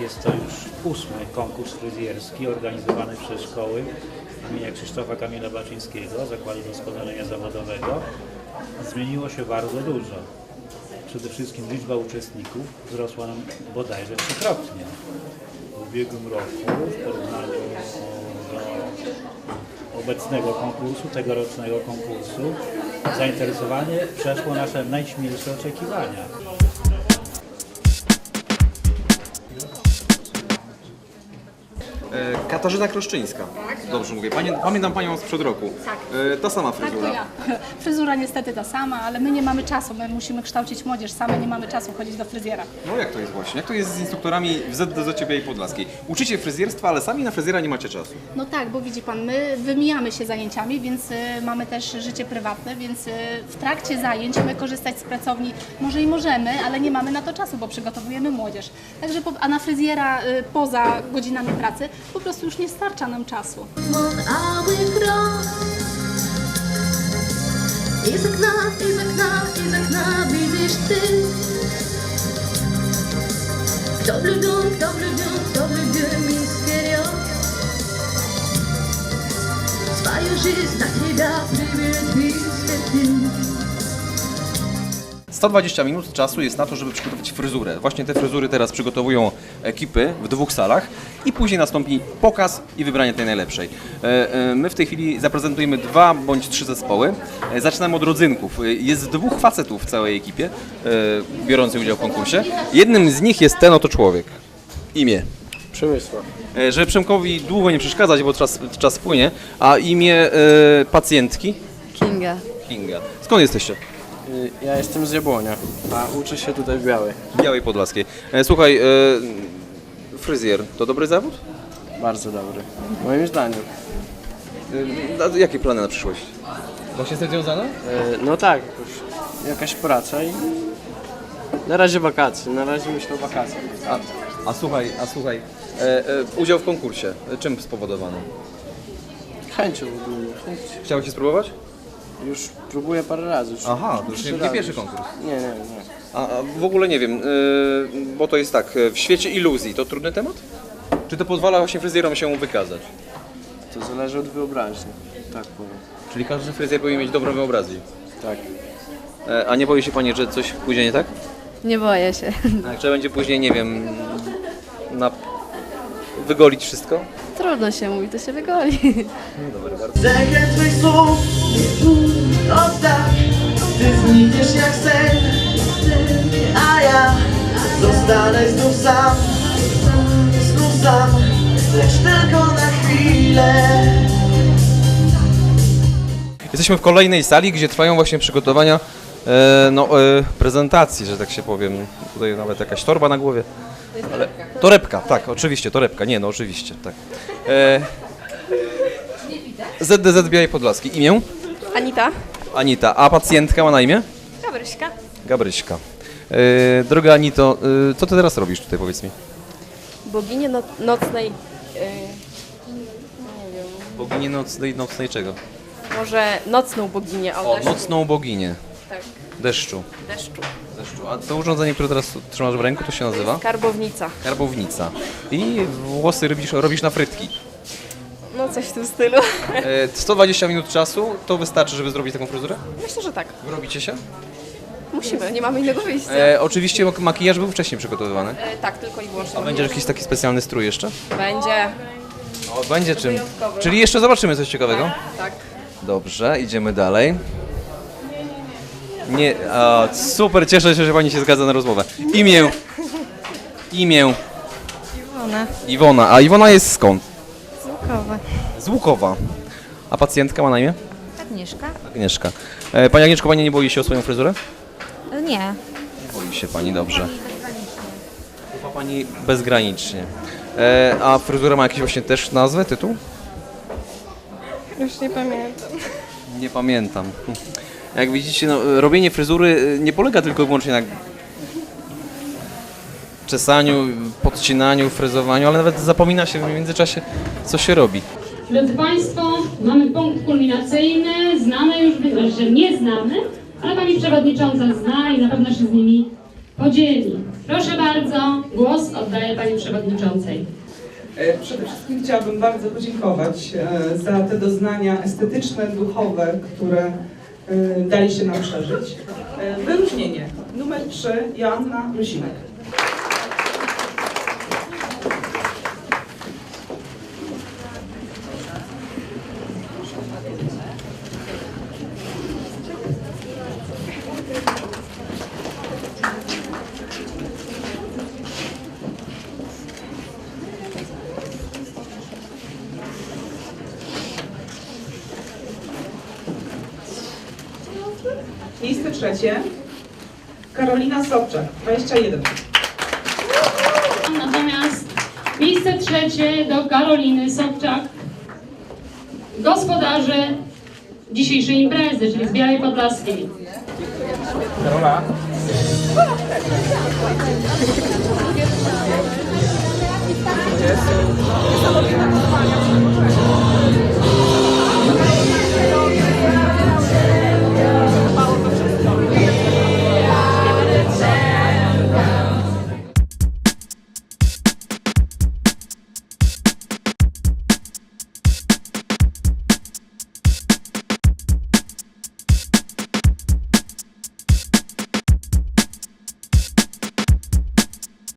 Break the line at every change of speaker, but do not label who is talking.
Jest to już 8. konkurs fryzjerski organizowany przez szkoły imienia Krzysztofa Kamila Baczyńskiego, Zakładu Doskonalenia Zawodowego. Zmieniło się bardzo dużo. Przede wszystkim liczba uczestników wzrosła nam bodajże 3-krotnie. W ubiegłym roku w porównaniu do obecnego konkursu, tegorocznego konkursu, zainteresowanie przeszło nasze najśmielsze oczekiwania.
Katarzyna Kroszczyńska. Dobrze mówię. Pamiętam Panią sprzed roku.
Tak.
Ta sama fryzura.
Tak, to ja. Fryzura niestety ta sama, ale my nie mamy czasu, my musimy kształcić młodzież, same nie mamy czasu chodzić do fryzjera.
No jak to jest właśnie? Jak to jest z instruktorami w ZDZ Białej Podlaskiej? Uczycie fryzjerstwa, ale sami na fryzjera nie macie czasu.
No tak, bo widzi Pan, my wymijamy się zajęciami, więc mamy też życie prywatne, więc w trakcie zajęć my korzystać z pracowni może i możemy, ale nie mamy na to czasu, bo przygotowujemy młodzież. Także, a na fryzjera poza godzinami pracy po prostu już nie starcza nam czasu.
Iz okna widzisz ty. Kto lubił мистерио. Свою жизнь на тебя приведет весь
120 minut czasu jest na to, żeby przygotować fryzurę. Właśnie te fryzury teraz przygotowują ekipy w 2 salach i później nastąpi pokaz i wybranie tej najlepszej. My w tej chwili zaprezentujemy 2 bądź 3 zespoły. Zaczynamy od rodzynków. Jest 2 facetów w całej ekipie biorących udział w konkursie. Jednym z nich jest ten oto człowiek. Imię.
Przemysław.
Żeby Przemkowi długo nie przeszkadzać, bo czas płynie, a imię pacjentki?
Kinga.
Kinga. Skąd jesteście?
Ja jestem z Jabłonia, a uczę się tutaj w Białej.
Białej Podlaskiej. Słuchaj, fryzjer to dobry zawód?
Bardzo dobry, moim zdaniem.
A jakie plany na przyszłość? Właśnie z tym związane?
No tak, już jakaś praca i na razie wakacje, na razie myślę o wakacjach.
A słuchaj, udział w konkursie, czym spowodowano?
Chęcią ogólnie, chęć.
Chciałeś się spróbować?
Już próbuję parę razy.
Aha, to już nie
razy.
pierwszy konkurs.
Nie.
A w ogóle nie wiem, bo to jest tak, w świecie iluzji to trudny temat? Czy to pozwala właśnie fryzjerom się wykazać?
To zależy od wyobraźni, tak powiem.
Czyli każdy fryzjer powinien mieć dobrą wyobraźnię.
Tak.
A nie boi się Pani, że coś pójdzie nie tak?
Nie boję się.
A jak trzeba będzie później, nie wiem, wygolić wszystko?
Trudno się mówi, to się wygoli.
No dobra, bardzo.
Sekret twych słów oddam. Ty znikniesz jak sen, a ja zostanę znów sam, lecz tylko na chwilę.
Jesteśmy w kolejnej sali, gdzie trwają właśnie przygotowania prezentacji, że tak się powiem. Tutaj nawet jakaś torba na głowie. Ale torebka, tak, oczywiście, torebka. Nie, no oczywiście, tak. ZDZ Białej Podlaskiej. Imię?
Anita?
Anita. A pacjentka ma na imię?
Gabryśka.
Gabryśka. Droga Anito, co ty teraz robisz tutaj, powiedz mi?
Bogini nocnej...
Boginię nocnej czego?
może nocną boginię.
O, nocną boginię.
Tak,
Deszczu.
deszczu.
A to urządzenie, które teraz trzymasz w ręku, to się nazywa?
Karbownica.
Karbownica. I włosy robisz na frytki.
No coś w tym stylu.
120 minut czasu to wystarczy, żeby zrobić taką fryzurę?
Myślę, że tak.
Robicie się?
Musimy, nie mamy innego wyjścia.
Oczywiście makijaż był wcześniej przygotowywany.
Tak, tylko i wyłącznie.
A będzie jakiś taki specjalny strój jeszcze?
Będzie.
O, będzie czym.
Wyjątkowy.
Czyli jeszcze zobaczymy coś ciekawego?
Tak.
Dobrze, idziemy dalej. Nie, super, cieszę się, że Pani się zgadza na rozmowę. Imię.
Iwona.
Iwona. A Iwona jest skąd?
Złukowa.
Z Łukowa. A pacjentka ma na imię?
Agnieszka?
Agnieszka. Pani Agnieszko, Pani nie boi się o swoją fryzurę?
Nie.
Nie boi się Pani, dobrze. Ufa Pani bezgranicznie. A fryzura ma jakiś właśnie też nazwę, tytuł?
Już nie pamiętam.
Nie pamiętam. Jak widzicie, no, robienie fryzury nie polega tylko i wyłącznie na czesaniu, podcinaniu, fryzowaniu, ale nawet zapomina się w międzyczasie, co się robi.
Drodzy Państwo, mamy punkt kulminacyjny, znamy już, że nie znamy, ale Pani Przewodnicząca zna i na pewno się z nimi podzieli. Proszę bardzo, głos oddaję Pani Przewodniczącej.
Przede wszystkim chciałabym bardzo podziękować za te doznania estetyczne, duchowe, które daliście nam przeżyć. Wyróżnienie numer 3, Joanna Rusinek. Miejsce 3, Karolina Sobczak, 21.
Natomiast miejsce 3 do Karoliny Sobczak, gospodarze dzisiejszej imprezy, czyli z Białej Podlaskiej.
Karola.